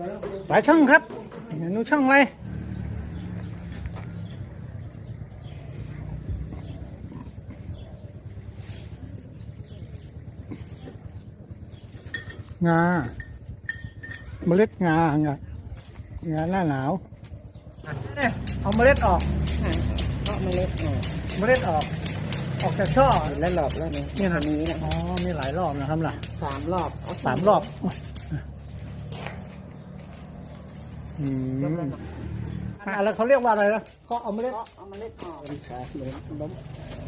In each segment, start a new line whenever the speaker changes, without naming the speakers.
หลายช่องครับหนูช่องอะไรงาเมล็ดงาหน้าหนาวเนี่ยเอาเมล็ดออก
ก็เมล็ดออก
ออกจากช่อ
แล้วหลอบแล้วนี่
นะ
นี้นะ
อ๋อมีหลายรอบนะครับล่ะ
3 รอบ
3 รอบแล้วเขาเรียกว่าอะไรนะก็เอาเมล็ดออก
ล้ม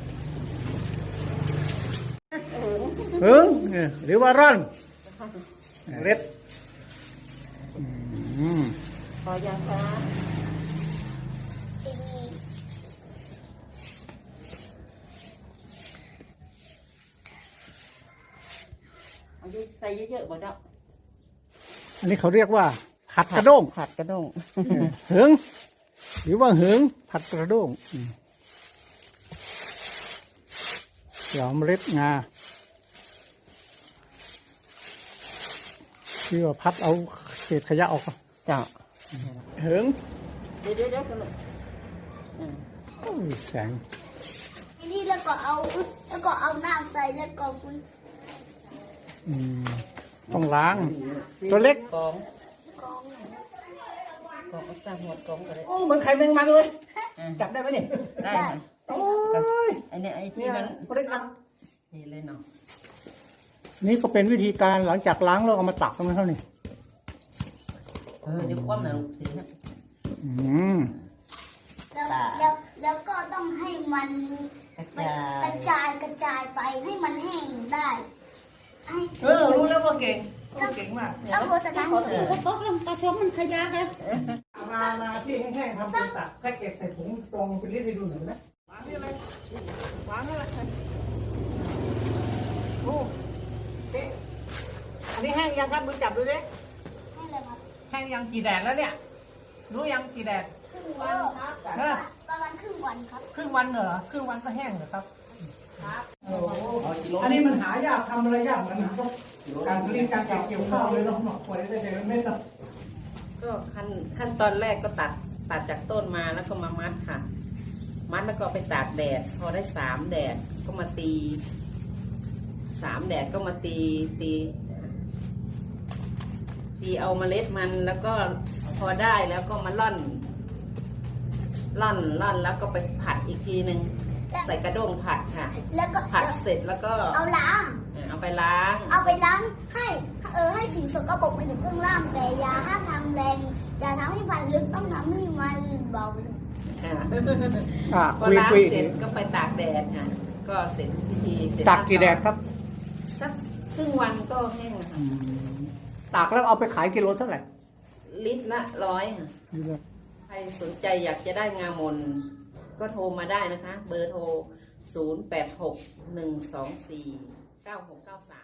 หึงหรือว่าร่อนเล็ด
พอยังคะอันนี้ใส่เยอะๆบ่ดอก
อันนี้เขาเรียกว่าผัดกระด้งหึงหรือว่าหึงผัดกระด้งเดี๋ยวเมล็ดงาที่ว่าพัดเอาเศษขยะออก
จ้ะ
หึง
เดี๋ยวกันลูก
โอ้ยแสง
นี่แล้วก็เอาน้ำใส่แล้วก็คุณ
ต้องล้างตัวเล็ก
กองสร้างหัวกองกันเลย
โอ้เหมือนไข่แมงมันเลยจับได้ไหมเนี่ย
ได้
โอ้ย
อันนี้ไอ้ที่มัน
เล็กครับ
นี่เลยเนาะ
นี่ก็เป็นวิธีการหลังจากล้างแล้วเอามาตักตรงนั้นเท่านี้
เดี๋ยวคว่ำหน่อยลูกทีนะ
แล้วก็ต้องให้มันกระจายไปให้มันแห้งได้
รู้แล้วว่าเก่งมาก
เอาโฆษณา
ก็พกลงกระชมมันขยะครับ
มาที่แห้งๆทำเป็นตักแพ็กเกจใส่ถุงตรงเป็นรีดให้ดูหน่อยนะวางนี่อะไรวางนี่อะไรโอ้อันนี้แห้งยังครับมือจับดูดิแห้งยังกี่แดดแล้วเนี่ยรู้ยังกี่แดด
ครึ่งวันครับประมาณครึ่งวันครับ
ครึ่งวันเหรอครึ่งวันก็แห้งเหรอครับอันนี้มันหายากทำอะไรยากมันต้องการผลิตการเกี่ยวข้าวเลยเนาะปล่อยได้แต่ไม่ต้อง
ก็ขั้นตอนแรกก็ตัดจากต้นมาแล้วก็มามัดค่ะมัดแล้วก็ไปตากแดดพอได้3 แดดก็มาตี3 แดดก็มาตีเอาเมล็ดมันแล้วก็พอได้แล้วก็มาล่อนแล้วก็ไปผัดอีกทีนึงใส่กระด้งผัดค่ะ
แล้วก็
ผัดเสร็จแล้วก็
เอาไปล้างให้สิ่งสกปรกมันอยู่ข้างล่างแต่อย่าห้ามทำแรงอย่าทำให้มันลึกต้องทำให้มันเบา
พอล้างเสร็จก็ไปตากแดดค่ะก็เสร็จพิธีเสร็จ
ตากกี่แดดครับ
สักครึ่งวันก็แห้งค่ะ
ตากแล้วเอาไปขายกิโลเท่าไหร่
ลิตรละ100ค่ะใครสนใจอยากจะได้งามนก็โทรมาได้นะคะเบอร์โทร 0861249693